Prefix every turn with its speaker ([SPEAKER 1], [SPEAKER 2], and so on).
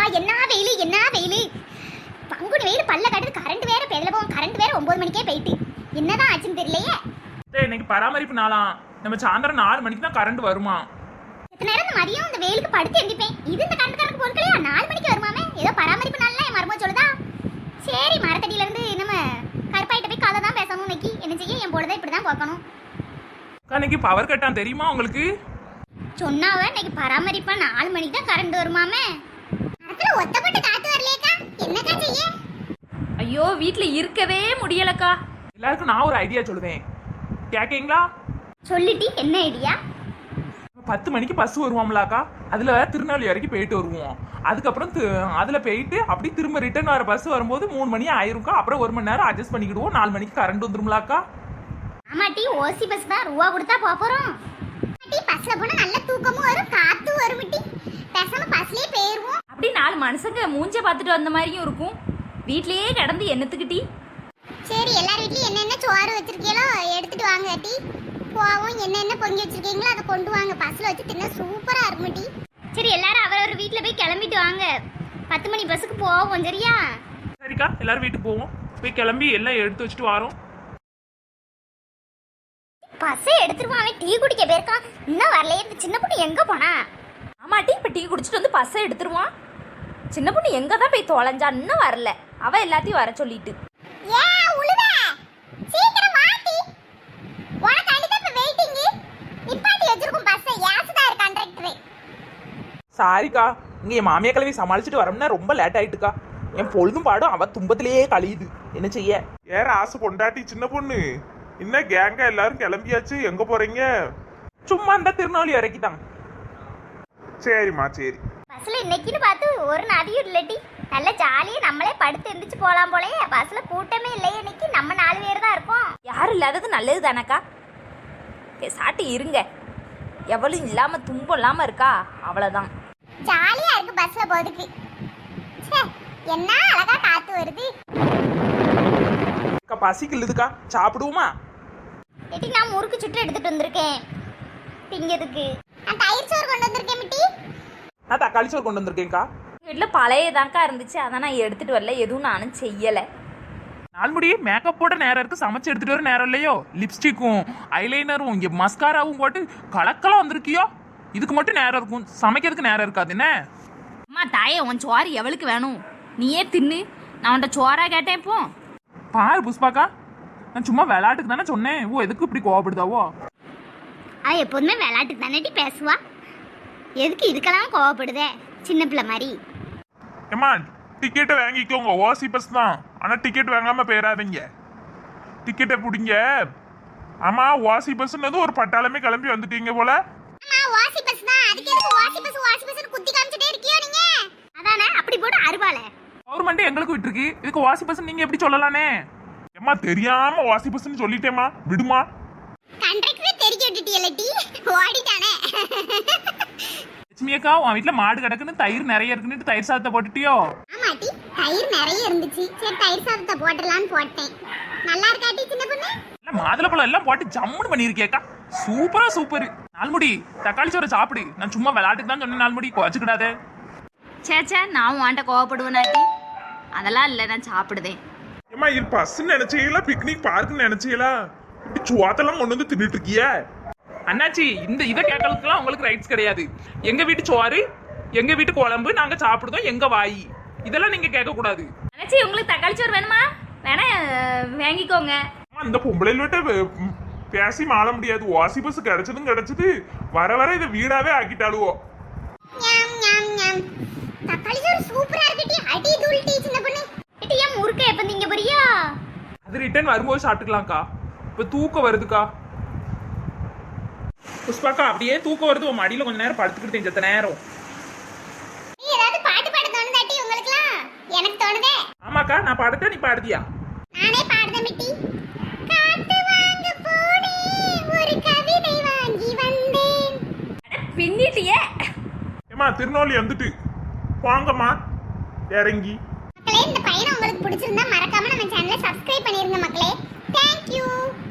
[SPEAKER 1] என்ன வெயிலு என்ன வெயிலு. பங்குனி வெயில் பல்ல கட்டுது. கரண்ட் வேற பெதல போகும். கரண்ட் வேற 9 மணிக்கே போயிட்டு. என்னதான் ஆச்சுன்னு தெரியலையே.
[SPEAKER 2] இன்னைக்கு பராமரிப்பு நாளாம். நம்ம சாயந்தரம் 4 மணிக்கு தான் கரண்ட் வருமா.
[SPEAKER 1] எத்தனை நேரம் இந்த மதியம் இந்த வெயிலுக்கு படுத்து எந்திப்பேன். இது இந்த கரண்ட் கணக்கு பொறுக்கலையா? 4 மணிக்கு வருமாமே. ஏதோ பராமரிப்பு நாள்லாம் என் மருமக சொல்லுதா. சரி மரத்தடியில இருந்து நம்ம கருப்பாயிட்ட போய் கதை தான் பேசணும். இன்னைக்கு என்ன செய்ய என் பொழுதை இப்படிதான் போக்கணும்.
[SPEAKER 2] இன்னைக்கு பவர் கட்டான் தெரியுமா உங்களுக்கு?
[SPEAKER 1] சொன்னாவ இன்னைக்கு பராமரிப்பா 4 மணிக்கு தான் கரண்ட் வருமாமே. மரத்துல ஒத்தப்பட்டு காத்து வரலையேக்கா. என்னக்கா செய்ய?
[SPEAKER 3] ஐயோ வீட்ல இருக்கவே முடியலக்கா.
[SPEAKER 2] எல்லாருக்கும் நான் ஒரு ஐடியா சொல்லுவேன், கேக்கீங்களா?
[SPEAKER 1] சொல்லிட்டு என்ன ஐடியா?
[SPEAKER 2] 10 மணிக்கு பஸ் வருவோம்லாக்கா, அதுல திருநெல்வேலி வரைக்கும் போயிட்டு வருவோம். அதுக்கப்புறம் அதுல போயிட்டு அப்படி திரும்ப ரிட்டர்ன் வர பஸ் வரும்போது 3 மணி ஆயிரும்க்கா. அப்புறம் 1 மணி நேரம் அட்ஜஸ்ட் பண்ணிக்கிடுவோம். 4 மணிக்கு கரண்ட் வந்துரும்லாக்கா.
[SPEAKER 1] ஆமாட்டி, ஓசி பஸ் தான் ரூபா கொடுத்தா போறோம். பஸ்ல போனா நல்ல தூக்கமும் வரும், காத்தும் வரும். பேசாம பஸ்லயே போயிருவோம்.
[SPEAKER 3] அப்படி 4 மனுஷங்க மூஞ்ச பார்த்துட்டு வந்த மாதிரியும் இருக்கும். வீட்லயே கிடந்து என்னத்துக்கிட்டி?
[SPEAKER 1] சரி எல்லார் வீட்லயும் என்னென்ன சோறு வச்சிருக்கீங்களோ எடுத்துட்டு வாங்க டி. போவோம். என்னென்ன பொங்கி வச்சிருக்கீங்களோ அதை கொண்டு வாங்க. பஸ்ல வச்சு தின்னா சூப்பரா இருக்கும் டி. சரி எல்லாரும் அவரவர் வீட்ல போய் கிளம்பிட்டு வாங்க. 10 மணி பஸ்ஸுக்கு போவோம். சரியா?
[SPEAKER 2] சரிக்கா, எல்லாரும் வீட்டுக்கு போவோம். போய் கிளம்பி எல்லாம் எடுத்து வச்சுட்டு வரோம்.
[SPEAKER 1] பஸ்ஸை எடுத்துருவான். டீ குடிக்க போயிருக்கான். இன்னும் வரலையே. இந்த சின்ன பொண்ணு எங்க போனா?
[SPEAKER 3] ஆமாட்டி, இப்ப டீ குடிச்சிட்டு வந்து பஸ்ஸை எடுத்துருவான். சின்ன பொண்ணு எங்க தான் போய் தொலைஞ்சா? இன்னும் வரல. அவ எல்லாத்தையும் வர சொல்லிட்டு.
[SPEAKER 2] சாரிக்கா, இங்க என் மாமியா கிளவி சமாளிச்சுட்டு வரோம்னா ரொம்ப லேட் ஆயிட்டுக்கா. என் பொழுதும் பாடும் அவ துன்பத்திலேயே கழியுது. என்ன செய்ய?
[SPEAKER 4] ஏற ஆசை பொண்டாட்டி சின்ன பொண்ணு. என்ன கேங்கா எல்லாரும் கிளம்பியாச்சு? எங்க போறீங்க?
[SPEAKER 2] சும்மா இந்த திருநெல்வேலி வரைக்கும் தான்.
[SPEAKER 4] சரிம்மா சரி.
[SPEAKER 1] பஸ்ல இன்னைக்குன்னு பார்த்து ஒரு நதியும் இல்லட்டி. நல்ல ஜாலியா நம்மளே படுத்து எந்திரிச்சு போலாம் போலயே. பஸ்ல கூட்டமே இல்லையே இன்னைக்கு. நம்ம 4 பேர் தான் இருக்கோம்.
[SPEAKER 3] யாரும் இல்லாதது நல்லது தானக்கா. சாட்டி இருங்க. எவ்வளவு இல்லாம துன்பம் இல்லாம இருக்கா, அவ்வளவுதான்.
[SPEAKER 1] ஜாலியா இருக்கு பஸ்ல போறதுக்கு. என்ன அழகா காத்து வருது.
[SPEAKER 2] பசிக்கு இல்லதுக்கா, சாப்பிடுவோமா?
[SPEAKER 1] எட்டி நான் முறுக்கு சுட்டு எடுத்துட்டு வந்திருக்கேன் திங்கிறதுக்கு. நான் தயிர் சோறு கொண்டு வந்திருக்கேன் மிட்டி.
[SPEAKER 2] நான் தக்காளி சோறு கொண்டு வந்திருக்கேன்க்கா.
[SPEAKER 3] வீட்டில் பழையதாக்கா இருந்துச்சு, அதான் நான் எடுத்துட்டு வரல. எதுவும் நானும் செய்யலை.
[SPEAKER 2] நாள்முடி மேக்கப் போட நேரம் இருக்கு, சமைச்சு எடுத்துட்டு வர நேரம் இல்லையோ. லிப்ஸ்டிக்கும் ஐலைனரும் இங்கே மஸ்காராவும் போட்டு கலக்கலாம் வந்திருக்கியோ. இதுக்கு மட்டும் நேரம் இருக்கும், சமைக்கிறதுக்கு நேரம் இருக்காது. என்ன
[SPEAKER 3] அம்மா தாயே, உன் சோறு எவளுக்கு வேணும்? நீயே தின்னு. நான் உன்ட்ட சோறா கேட்டேன். இப்போ
[SPEAKER 2] பாரு புஷ்பாக்கா, நான் சும்மா விளையாட்டுக்கு தானே சொன்னேன். ஓ எதுக்கு இப்படி கோவப்படுதாவோ?
[SPEAKER 1] எப்போதுமே விளையாட்டுக்கு தானே பேசுவா. எதுக்கு இதுக்கெல்லாம் கோவப்படுதே சின்ன பிள்ளை மாதிரி?
[SPEAKER 4] ஏம்மா டிக்கெட்டை வாங்கிக்கோங்க. ஓசி பஸ் தான், ஆனா டிக்கெட் வாங்காம போயிடாதீங்க. டிக்கெட்டை பிடிங்க. ஆமா, ஓசி பஸ்ன்னு ஒரு பட்டாளமே கிளம்பி வந்துட்டீங்க போல.
[SPEAKER 1] வாசி பஸ் தான். அதுக்கு எதுக்கு வாசி பஸ் வாசி பஸ்னு குத்தி காமிச்சிட்டே இருக்கியோ நீங்க? அதானே அப்படி போடு அருவாளே.
[SPEAKER 2] கவர்மெண்ட் எங்களுக்கு விட்டுருக்கு, இதுக்கு வாசி பஸ் நீங்க எப்படி சொல்லலானே?
[SPEAKER 4] ஏம்மா தெரியாம ஓசி பஸ்ன்னு சொல்லிட்டேம்மா, விடுமா.
[SPEAKER 1] கண்டக்டரே தெரிக்க விட்டுட்டியலட்டி, ஓடிட்டானே.
[SPEAKER 2] லட்சுமி அக்கா, உன் வீட்டுல மாடு கிடக்குன்னு தயிர் நிறைய இருக்குன்னு தயிர் சாதத்தை போட்டுட்டியோ?
[SPEAKER 1] ஆமாட்டி, தயிர் நிறைய இருந்துச்சு. சரி தயிர் சாதத்தை போடலான்னு போட்டேன். நல்லா இருக்காட்டி சின்ன பொண்ணு?
[SPEAKER 2] இல்ல மாதுளப்பழம் எல்லாம் போட்டு ஜம்முன்னு பண்ணிருக்கேக்கா. சூப்பரா சூப்பர். நாள்முடி தக்காளி சோறு சாப்பிடு. நான் சும்மா விளையாட்டுக்கு தான் சொன்னேன். நாள்முடி குறைச்சுக்கிடாதே.
[SPEAKER 3] சேச்சா, நான் வாண்ட கோவப்படுவேனாட்டி? அதெல்லாம் இல்லை, நான் சாப்பிடுதேன்.
[SPEAKER 4] ஏம்மா இது பஸ்ன்னு நினைச்சீங்களா பிக்னிக் பார்க்குன்னு நினைச்சீங்களா? இப்படி சுவாத்தெல்லாம் கொண்டு வந்து தின்னுட்டு இருக்கிய
[SPEAKER 2] அண்ணாச்சி. இந்த இதை கேட்கறதுக்குலாம் உங்களுக்கு ரைட்ஸ் கிடையாது. எங்க வீட்டு சோறு, எங்க வீட்டு குழம்பு, நாங்க சாப்பிடுதோம், எங்க வாய், இதெல்லாம் நீங்க கேட்க கூடாது.
[SPEAKER 3] அண்ணாச்சி, உங்களுக்கு தக்காளி சோறு வேணுமா? வேணா வாங்கிக்கோங்க.
[SPEAKER 4] இந்த பொம்பளையில்விட்ட பேசி மாள முடியாது. ஓசி பஸ் கிடைச்சதும் கிடைச்சது, வர வர இதை வீடாவே ஆக்கிட்டாளுவோ.
[SPEAKER 1] தக்காளி சோறு சூப்பரா இருக்குடி. அடி தூள் டீ சின்ன பொண்ணு. எட்டி ஏன் முறுக்க எப்ப நீங்க போறியா?
[SPEAKER 2] அது ரிட்டர்ன் வரும்போது சாப்பிட்டுக்கலாம்க்கா. இப்ப தூக்கம் வருதுக்கா. புஷ்பாக்கா, அப்படியே தூக்கம் வருது. உன் மடியில கொஞ்ச நேரம் படுத்துக்கிட்டு செத்த நேரம்.
[SPEAKER 1] ஏதாவது பாட்டு பாட தோணுதாட்டி உங்களுக்குலாம்? எனக்கு தோணுதே.
[SPEAKER 2] ஆமாக்கா, நான் பாடுறேன், நீ பாடுதியா?
[SPEAKER 1] நானே பாடுதேன் மிட்டி. காத்து வாங்க போனேன், ஒரு கவிதை வாங்கி வந்தேன்.
[SPEAKER 3] பின்னிட்டியே.
[SPEAKER 4] ஏம்மா திருநெல்வேலி வந்துட்டு வாங்கம்மா இறங்கி.
[SPEAKER 1] மக்களே, இந்த பையனை உங்களுக்கு பிடிச்சிருந்தா மறக்காம நம்ம சேனலை சப்ஸ்கிரைப் பண்ணிருங்க மக்களே. தேங்க்யூ.